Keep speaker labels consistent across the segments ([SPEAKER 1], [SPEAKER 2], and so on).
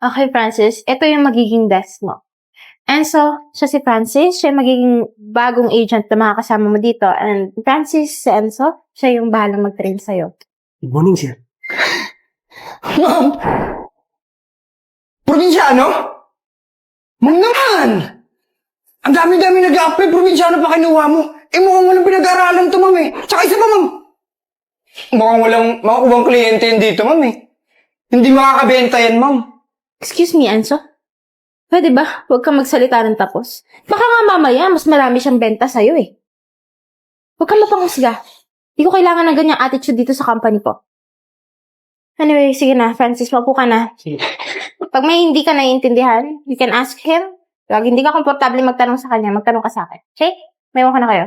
[SPEAKER 1] Okay, Francis. Ito yung magiging desk mo. Enzo, siya si Francis. Siya yung magiging bagong agent na makakasama mo dito. And Francis, si Enzo, siya yung bahalang mag-train sa'yo.
[SPEAKER 2] Good morning, sir.
[SPEAKER 3] Ma'am! Probinsyano? Ma'am naman! Ang dami-dami nag-a-apply, probinsyano pa kinuha mo. Mukhang walang pinag-aaralan to, ma'am eh. Tsaka isa pa, ma'am. Mukhang walang makukuhang kliyente yun dito, ma'am eh. Hindi makakabenta yan, ma'am.
[SPEAKER 1] Excuse me, Enzo? Pwede ba? Huwag kang magsalita ng tapos. Baka nga mamaya, mas marami siyang benta sa'yo eh. Huwag kang mapanghusga. Hindi ko kailangan ng ganyang attitude dito sa company ko. Anyway, sige na, Francis, maupo ka na.
[SPEAKER 2] Sige.
[SPEAKER 1] Pag may hindi ka naiintindihan, you can ask him. Pag hindi ka komportable magtanong sa kanya, magtanong ka sa akin. Okay? May ko na kayo.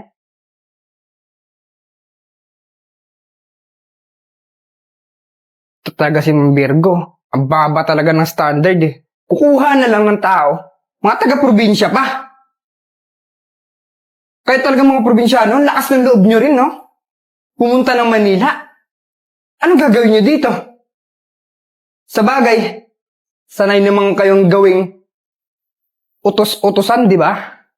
[SPEAKER 3] Ito talaga si Ma'am Virgo. Ang baba talaga ng standard eh. Kukuha na lang ng tao. Mga taga-probinsya pa. Kahit talaga mga probinsyano, ang lakas ng loob nyo rin, no? Pumunta ng Manila. Anong gagawin nyo dito? Sa bagay, sanay naman kayong gawing utos-utosan, di ba?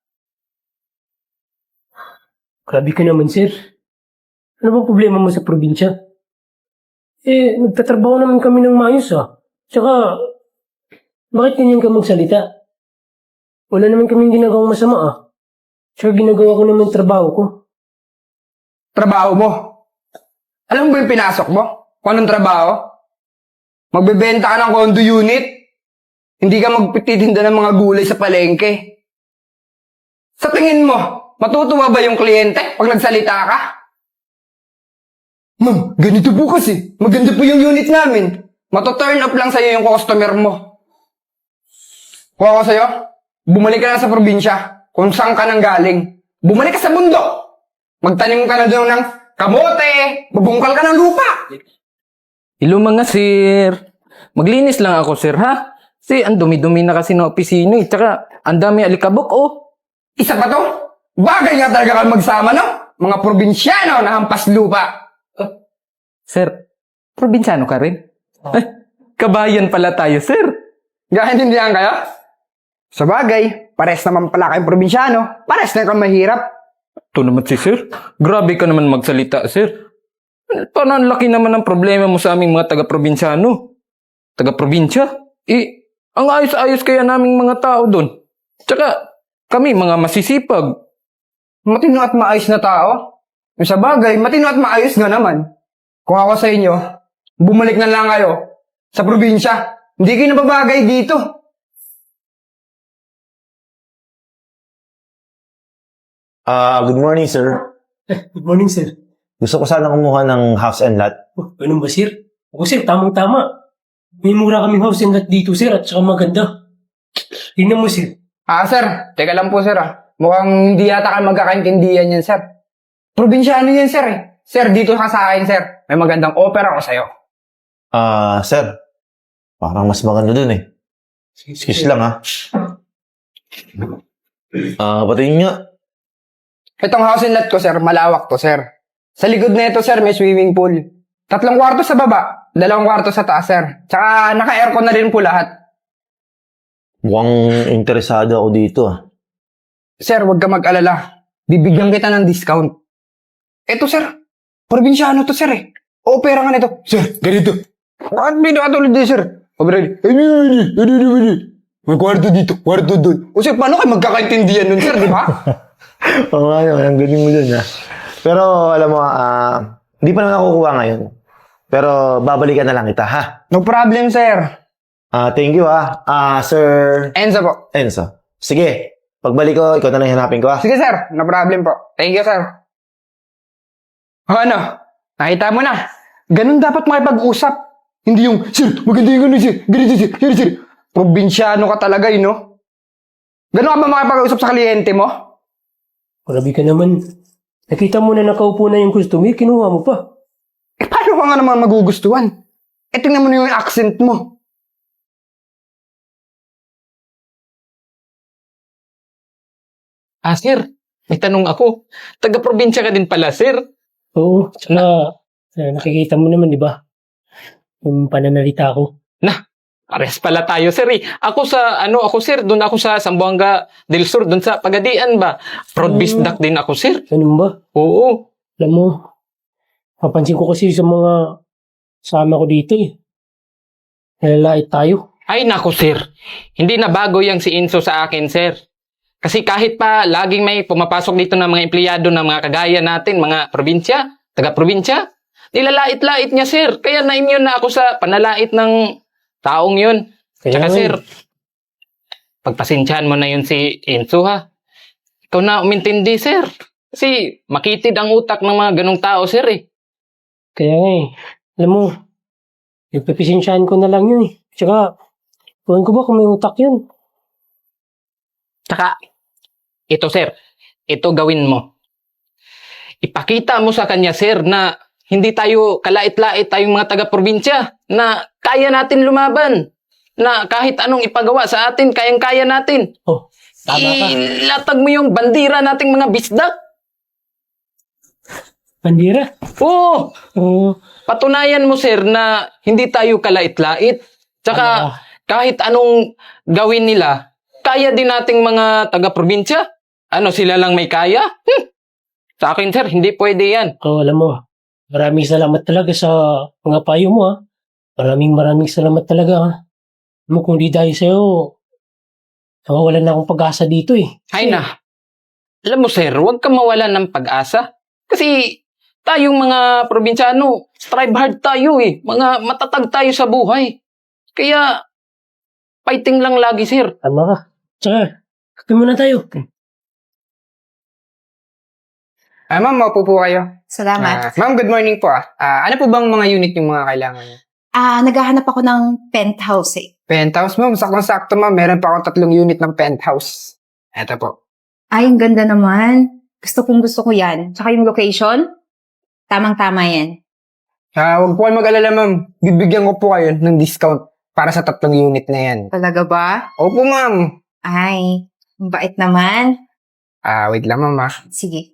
[SPEAKER 2] Grabe ka naman, sir. Ano bang problema mo sa probinsya? Nagtatrabaho naman kami ng maayos, ah. Tsaka, bakit ganyan ka magsalita? Wala naman kaming ginagawang masama, ah. Tsaka ginagawa ko naman trabaho ko.
[SPEAKER 3] Trabaho mo. Alam mo ba yung pinasok mo? Kung anong trabaho? Magbebenta ka ng condo unit. Hindi ka magpititinda ng mga gulay sa palengke. Sa tingin mo, matutuwa ba yung kliyente pag nagsalita ka? Ma'am, ganito po kasi. Maganda po yung unit namin. Mato-turn up lang sa'yo yung customer mo. Kung ako sa'yo, bumalik ka na sa probinsya kung saan ka nang galing. Bumalik ka sa bundok. Magtanim ka na doon ng kamote. Bubungkal ka ng lupa.
[SPEAKER 4] Hello mga sir. Maglinis lang ako sir ha. Kasi ang dumi-dumi na kasi ng opisina eh. Tsaka ang dami alikabok oh.
[SPEAKER 3] Isa pa to? Bagay nga talaga kayo magsama, no? Mga probinsyano na hampas lupa.
[SPEAKER 4] Sir, probinsyano ka rin? Ay, kabayan pala tayo sir.
[SPEAKER 3] Gaintindihan kayo? Sa bagay, pares naman pala kayong probinsyano. Pares na kang mahirap.
[SPEAKER 4] Ito naman si sir. Grabe ka naman magsalita sir. Parang ang laki naman ng problema mo sa aming mga taga-probinsyano. Taga-probinsya? Ang ayos-ayos kaya naming mga tao doon. Tsaka, kami mga masisipag.
[SPEAKER 3] Matino at maayos na tao. Sa bagay, matino at maayos nga naman. Kung ako sa inyo, bumalik na lang kayo sa probinsya. Hindi kayo nababagay dito.
[SPEAKER 5] Good morning, sir.
[SPEAKER 2] Good morning, sir.
[SPEAKER 5] Gusto ko sana kumuha ng house and lot.
[SPEAKER 2] Oh, ganun ba, sir? Ako, sir, tamang-tama. May mura kaming house and lot dito, sir, at saka maganda. Tingnan mo, sir.
[SPEAKER 3] Sir. Teka lang po, sir, Mukhang hindi yata kayo magkakaintindihan yan, sir. Probinsyano yan, sir, Sir, dito ka sa akin, sir. May magandang offer ako sa'yo.
[SPEAKER 5] Sir. Parang mas maganda dun eh. Excuse lang, ha. Patingin nga.
[SPEAKER 3] Itong house and lot ko, sir, malawak to, sir. Sa likod na ito, sir, may swimming pool. 3 kwarto sa baba, 2 kwarto sa taas, sir. Tsaka naka-aircon na rin po lahat.
[SPEAKER 5] Mukhang interesado ako dito, ah.
[SPEAKER 3] Sir, huwag ka mag-alala. Bibigyan kita ng discount. Ito, sir. Probinsyano to, sir, Opera nga nito. Sir, ganito. Bakit may nakatulad din, sir? May kwarto dito, kwarto doon. O, sir, paano kayo magkakaintindihan nun, sir, di ba?
[SPEAKER 5] Oo nga naman, ang galing mo dun, ha. Pero, alam mo, hindi pa naman ako kukuha ngayon. Pero, babalikan na lang kita, ha?
[SPEAKER 3] No problem, sir.
[SPEAKER 5] Thank you, ha. Sir
[SPEAKER 3] Enzo po.
[SPEAKER 5] Enzo. Sige, pagbalik ko, ikaw na lang hanapin ko, ha.
[SPEAKER 3] Sige, sir. No problem po. Thank you, sir. Ano? Nakita mo na. Ganun dapat makipag-usap. Hindi yung, sir, maganda yung ganun, sir. Ganito, sir. Probinsyano ka talaga, no? Ganun ka ba makipag-usap sa kliyente mo?
[SPEAKER 2] Grabe ka naman. Nakita mo na nakaupo na yung customer, kinuha mo pa.
[SPEAKER 3] Paano ka nga naman magugustuhan? Tingnan mo na yung accent mo.
[SPEAKER 4] Sir, may tanong ako. Taga-probinsya ka din pala, sir.
[SPEAKER 2] Oo, tsaka nakikita mo naman, di ba? Yung pananalita ko.
[SPEAKER 4] Pares pala tayo, sir. Eh. Ako sir, doon ako sa Zamboanga del Sur, doon sa Pagadian ba? Proud bisdak din ako, sir.
[SPEAKER 2] Ganun ba?
[SPEAKER 4] Oo.
[SPEAKER 2] Alam mo, papansin ko kasi sa mga sama ko dito eh. Nalalait tayo.
[SPEAKER 4] Ay, naku, sir. Hindi na bago yung si Enzo sa akin, sir. Kasi kahit pa laging may pumapasok dito ng mga empleyado ng mga kagaya natin, mga probinsya, taga-probinsya, nilalait-lait niya, sir. Kaya na-immune na ako sa panalait ng taong yun.
[SPEAKER 2] Kaya
[SPEAKER 4] Tsaka,
[SPEAKER 2] nga
[SPEAKER 4] sir,
[SPEAKER 2] eh.
[SPEAKER 4] pagpasensyahan mo na yun si Enzo, ha? Ikaw na umintindi, sir. Kasi makitid ang utak ng mga ganong tao, sir, eh.
[SPEAKER 2] Kaya nga eh. Alam mo, nagpapisensyahan ko na lang yun eh. Tsaka, tuwan ko ba kung may utak yun?
[SPEAKER 4] Tsaka, ito, sir. Ito gawin mo. Ipakita mo sa kanya, sir, na hindi tayo kalait-lait tayong mga taga-probinsya. Na kaya natin lumaban. Na kahit anong ipagawa sa atin, kayang-kaya natin.
[SPEAKER 2] Oh, tama ka.
[SPEAKER 4] Ilatag mo yung bandira nating mga bisdak.
[SPEAKER 2] Bandira.
[SPEAKER 4] Oo.
[SPEAKER 2] Oo.
[SPEAKER 4] Patunayan mo, sir, na hindi tayo kalait-lait. Tsaka, kahit anong gawin nila, kaya din nating mga taga-probinsya. Ano, sila lang may kaya? Sa akin, sir, hindi pwede yan.
[SPEAKER 2] Alam mo, maraming salamat talaga sa mga payo mo ha. Maraming salamat talaga ha. Alam mo, kung di dahil sa'yo, nawawalan na akong pag-asa dito eh.
[SPEAKER 4] Ay na. Alam mo, sir, huwag kang mawalan ng pag-asa. Kasi tayong mga probinsyano, strive hard tayo eh. Mga matatag tayo sa buhay. Kaya, fighting lang lagi, sir.
[SPEAKER 2] Tama ka. Tsaka, kape muna tayo.
[SPEAKER 3] Ma'am, maupo po kayo.
[SPEAKER 6] Salamat.
[SPEAKER 3] Ma'am, good morning po ano po bang mga unit yung mga kailangan niyo?
[SPEAKER 6] Naghahanap ako ng penthouse eh.
[SPEAKER 3] Penthouse, ma'am. Saktong-sakto, ma'am. Meron pa akong 3 unit ng penthouse. Eto po.
[SPEAKER 6] Ay, ang ganda naman. Gusto ko yan. Tsaka yung location, tamang-tama yan.
[SPEAKER 3] Huwag po kayo mag-alala, ma'am. Bibigyan ko po kayo ng discount para sa 3 unit na yan.
[SPEAKER 6] Talaga ba?
[SPEAKER 3] Opo, ma'am.
[SPEAKER 6] Ay, ang bait naman.
[SPEAKER 3] Wait lang, ma'am
[SPEAKER 6] Sige.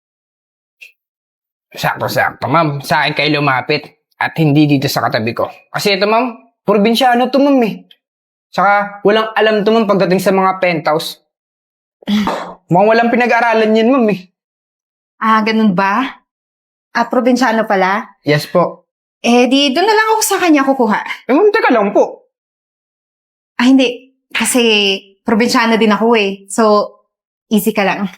[SPEAKER 3] Sakto-sakto, ma'am. Sa akin kayo lumapit at hindi dito sa katabi ko. Kasi ito, ma'am, probinsyano to, ma'am eh. Saka, walang alam to, ma'am, pagdating sa mga penthouse. Mukhang walang pinag-aralan yan, ma'am eh.
[SPEAKER 6] Ganun ba? Probinsyano pala?
[SPEAKER 3] Yes po.
[SPEAKER 6] Di doon na lang ako sa kanya kukuha.
[SPEAKER 3] Ma'am, teka lang po.
[SPEAKER 6] Hindi. Kasi probinsyano din ako eh. So, easy ka lang.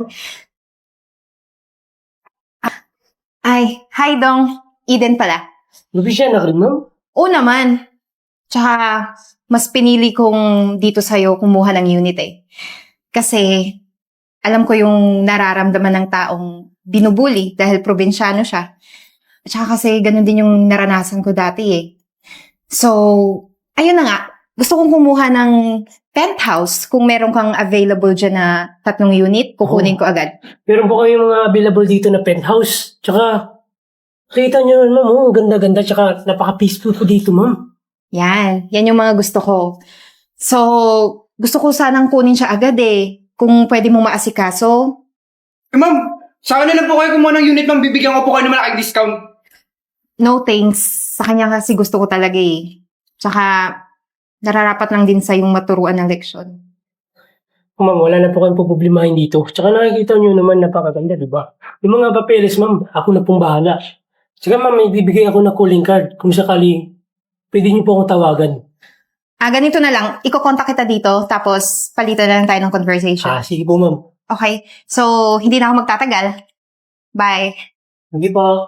[SPEAKER 6] Hi Dong. Eden pala.
[SPEAKER 2] Lubisya na rin, ma'am.
[SPEAKER 6] Oo naman. Tsaka, mas pinili kong dito sa'yo kumuha ng unit eh. Kasi, alam ko yung nararamdaman ng taong binubuli dahil probinsyano siya. Tsaka kasi ganun din yung naranasan ko dati eh. So, ayun na nga. Gusto kong kumuha ng penthouse. Kung meron kang available dyan na 3 unit, kukunin ko agad.
[SPEAKER 2] Meron po kayo mga available dito na penthouse. Tsaka, kita nyo naman, ma'am, ang ganda-ganda. Tsaka, napaka-peaceful po dito, ma'am.
[SPEAKER 6] Yan yung mga gusto ko. So, gusto ko sanang kunin siya agad eh. Kung pwede mong maasikaso.
[SPEAKER 3] Ma'am, sa akin na lang po kayo kumuha ng unit, ma'am. Bibigyan ko po kayo ng malaking discount.
[SPEAKER 6] No thanks. Sa kanya kasi gusto ko talaga eh. Tsaka, nararapat lang din sa yung maturuan ng leksyon.
[SPEAKER 2] Ma'am, wala na po kayong problemahin dito. Tsaka nakikita nyo naman napakaganda, di ba? Yung mga papeles, ma'am, ako na pong bahala. Tsaka, ma'am, may bibigay ako ng calling card. Kung sakali, pwede niyo po akong tawagan.
[SPEAKER 6] Ganito na lang. Iko-contact kita dito, tapos palitan na lang tayo ng conversation.
[SPEAKER 2] Sige po, ma'am.
[SPEAKER 6] Okay. So, hindi na ako magtatagal. Bye.
[SPEAKER 2] Sige po.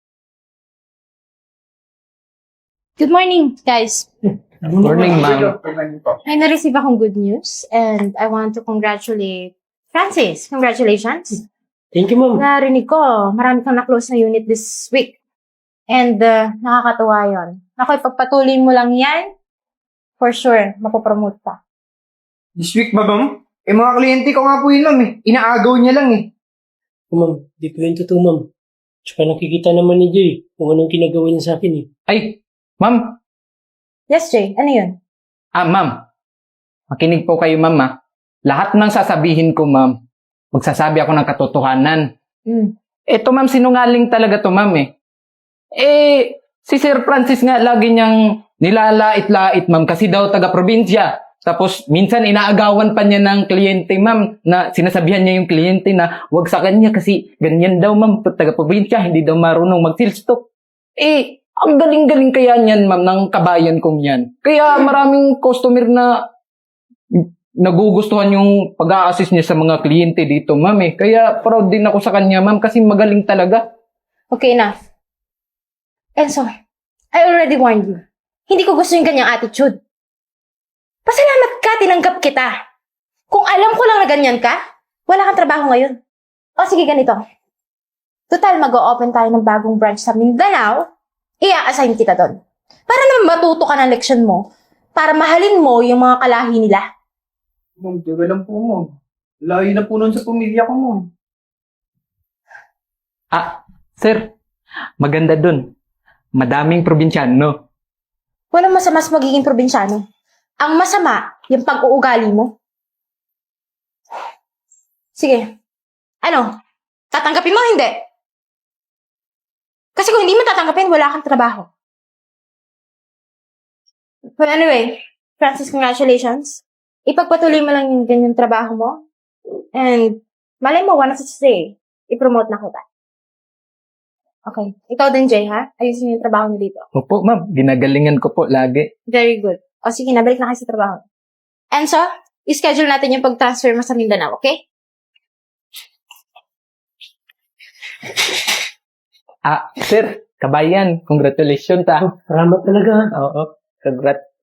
[SPEAKER 1] Good morning, guys.
[SPEAKER 4] Morning, ma'am.
[SPEAKER 1] May na-receive akong good news and I want to congratulate Francis. Congratulations.
[SPEAKER 2] Thank you, ma'am.
[SPEAKER 1] Narinig ko, marami kang na-close na unit this week. And nakakatuwa yun. Ako, ipagpatuloy mo lang yan, for sure, mapopromote ka.
[SPEAKER 3] This week ba, ma'am? Mga kliyente ko nga po yun, ma'am eh. Inaagaw niya lang eh.
[SPEAKER 2] Ma'am, di po yun totoo, ma'am. Tsaka nakikita naman ni Jay kung anong ginagawa niya sa akin eh.
[SPEAKER 4] Ay, ma'am.
[SPEAKER 1] Yes, Jay. Ano yun?
[SPEAKER 4] Ma'am. Makinig po kayo, ma'am, ha. Lahat ng sasabihin ko, ma'am, magsasabi ako ng katotohanan. Eto, ma'am, sinungaling talaga to, ma'am eh. Si Sir Francis nga lagi niyang Nilalait-lait, ma'am, kasi daw taga-probinsya. Tapos, minsan inaagawan pa niya ng kliyente, ma'am, na sinasabihan niya yung kliyente na wag sa kanya kasi ganyan daw, ma'am, taga-probinsya, hindi daw marunong mag-silstop. Ang galing-galing kaya niyan, ma'am, ng kabayan kong yan. Kaya maraming customer na nagugustuhan yung pag-a-assist niya sa mga kliyente dito, ma'am, eh. Kaya proud din ako sa kanya, ma'am, kasi magaling talaga.
[SPEAKER 1] Okay, enough. Enzo, I already warned you. Hindi ko gusto yung ganyang attitude. Pasalamat ka, tinanggap kita. Kung alam ko lang na ganyan ka, wala kang trabaho ngayon. O sige, ganito. Total, mag-o-open tayo ng bagong branch sa Mindanao, i-assign kita doon. Para naman matuto ka ng leksyon mo, para mahalin mo yung mga kalahi nila.
[SPEAKER 3] Ma'am, tiga lang po, ma'am. Layo na po nun sa pamilya ko, ma'am.
[SPEAKER 4] Sir, maganda dun. Madaming probinsyano.
[SPEAKER 1] Walang masama sa magiging probinsyano. Ang masama, yung pag-uugali mo. Sige. Ano? Tatanggapin mo o hindi? Kasi kung hindi mo tatanggapin, wala kang trabaho. But anyway, Francis, congratulations. Ipagpatuloy mo lang yung ganyang trabaho mo. And malay mo, one of the day, i-promote na kita. Okay. Ikaw din, Jay, ha? Ayusin yung trabaho mo dito.
[SPEAKER 4] Opo, ma'am, ginagalingan ko po lagi.
[SPEAKER 1] Very good. O sige, nabalik na kayo sa trabaho. Enzo, i-schedule natin yung pag-transfer mo sa Mindanao, okay?
[SPEAKER 4] Sir, kabayan, congratulations,
[SPEAKER 2] Salamat talaga.
[SPEAKER 4] Oo, congrats.